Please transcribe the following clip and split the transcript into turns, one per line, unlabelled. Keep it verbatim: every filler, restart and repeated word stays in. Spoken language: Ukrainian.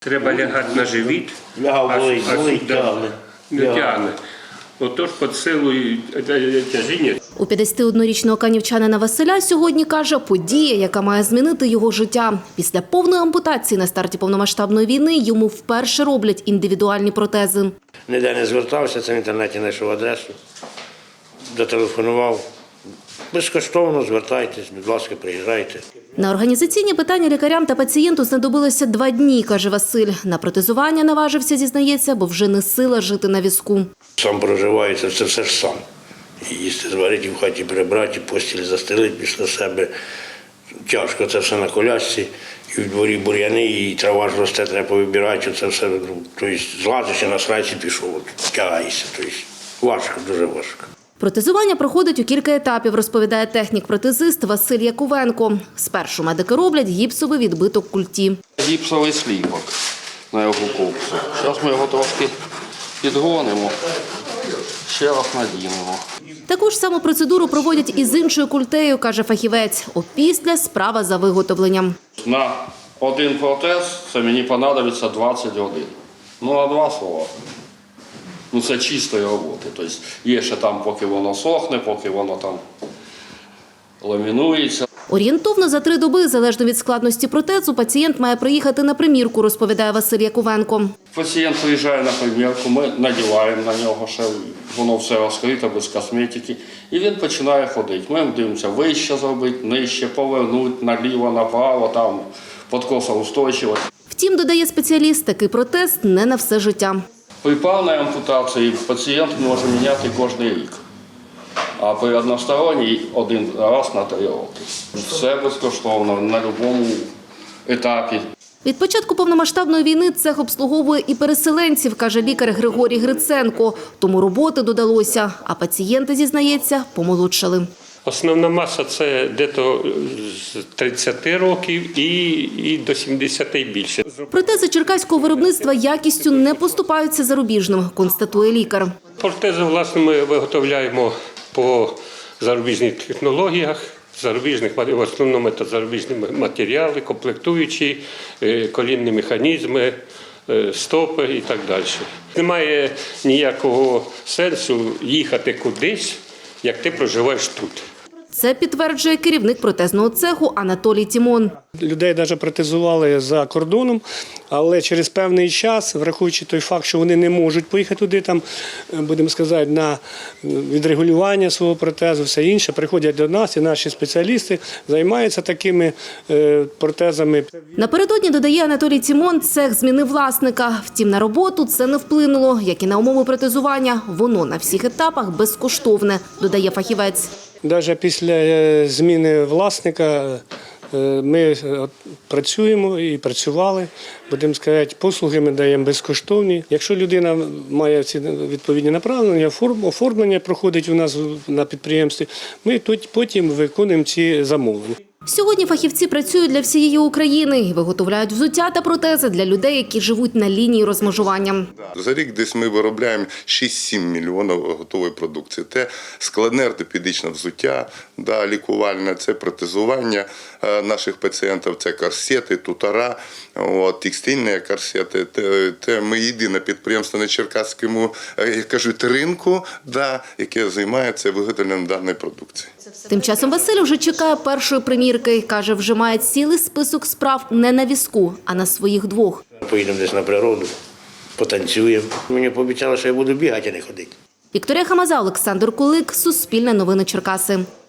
Треба лягати на живіт,
Лягав, болить, болить, тягне.
не тягне. Отож під силою тяжіння.
У п'ятдесятиоднорічного канівчанина Василя сьогодні, каже, подія, яка має змінити його життя. Після повної ампутації на старті повномасштабної війни йому вперше роблять індивідуальні протези.
Ніде не звертався, це в інтернеті знайшов адресу, дотелефонував. Безкоштовно звертайтесь, будь ласка, приїжджайте.
На організаційні питання лікарям та пацієнту знадобилося два дні, каже Василь. На протезування наважився, зізнається, бо вже не сила жити на візку.
Сам проживається, це все ж сам. І їсти зварити, в хаті прибрати, постіль застелити після себе. Тяжко це все на колясці. І в дворі бур'яни, і трава ж росте, треба повибирати. Це все, тобто злазиш і на срайці пішов, тягаєшся. Тобто важко, дуже важко.
Протезування проходить у кілька етапів, розповідає технік-протезист Василь Якувенко. Спершу медики роблять гіпсовий відбиток культі.
Гіпсовий сліпок на його копсу. Зараз ми його трошки підгонимо, ще раз надінемо.
Таку ж саму процедуру проводять і з іншою культею, каже фахівець. Опісля справа за виготовленням.
На один протез це мені понадобиться двадцять годин. Ну, на два слова. Ну, це чистої роботи. Тобто є ще там, поки воно сохне, поки воно там ламінується.
Орієнтовно за три доби, залежно від складності протезу, пацієнт має приїхати на примірку, розповідає Василь Якувенко.
Пацієнт приїжджає на примірку, ми надіваємо на нього ще, воно все розкрите, без косметики, і він починає ходити. Ми дивимося вище зробити, нижче, повернути, наліво, направо, там подкосоустойчивість.
Втім, додає спеціаліст, такий протез не на все життя.
При повній ампутації пацієнт може міняти кожен рік, а при односторонній – один раз на три роки. Все безкоштовно, на будь-якому етапі.
Від початку повномасштабної війни цех обслуговує і переселенців, каже лікар Григорій Гриценко. Тому роботи додалося, а пацієнти, зізнається, помолодшали.
Основна маса – це десь з тридцяти років і, і до сімдесяти і більше.
Протези черкаського виробництва якістю не поступаються зарубіжним, констатує лікар.
Протези, власне, ми виготовляємо по зарубіжних технологіях, зарубіжних, в основному це зарубіжні матеріали, комплектуючі, колінні механізми, стопи і так далі. Немає ніякого сенсу їхати кудись, як ти проживаєш тут.
Це підтверджує керівник протезного цеху Анатолій Тімон.
Людей навіть протезували за кордоном, але через певний час, враховуючи той факт, що вони не можуть поїхати туди, там, будемо сказати, на відрегулювання свого протезу, все інше, приходять до нас, і наші спеціалісти займаються такими протезами.
Напередодні, додає Анатолій Тімон, цех змінив власника. Втім, на роботу це не вплинуло, як і на умови протезування. Воно на всіх етапах безкоштовне, додає фахівець.
Навіть після зміни власника ми працюємо і працювали, будемо сказати, послуги ми даємо безкоштовні. Якщо людина має ці відповідні направлення, оформлення проходить у нас на підприємстві, ми тут потім виконуємо ці замовлення.
Сьогодні фахівці працюють для всієї України і виготовляють взуття та протези для людей, які живуть на лінії розмежування.
За рік десь ми виробляємо шість-сім мільйонів готової продукції. Це складне ортопедичне взуття, да, лікувальне, це протезування наших пацієнтів, це корсети, тутара, от, текстильні корсети. Це, це ми єдине підприємство на Черкаському, як кажуть, ринку, да, яке займається виготовленням даної продукції.
Тим часом Василь вже чекає першої примірки. Каже, вже має цілий список справ не на візку, а на своїх двох.
Поїдемо десь на природу, потанцюємо. Мені пообіцяли, що я буду бігати, а не ходити.
Вікторія Хамаза, Олександр Кулик, Суспільне новини Черкаси.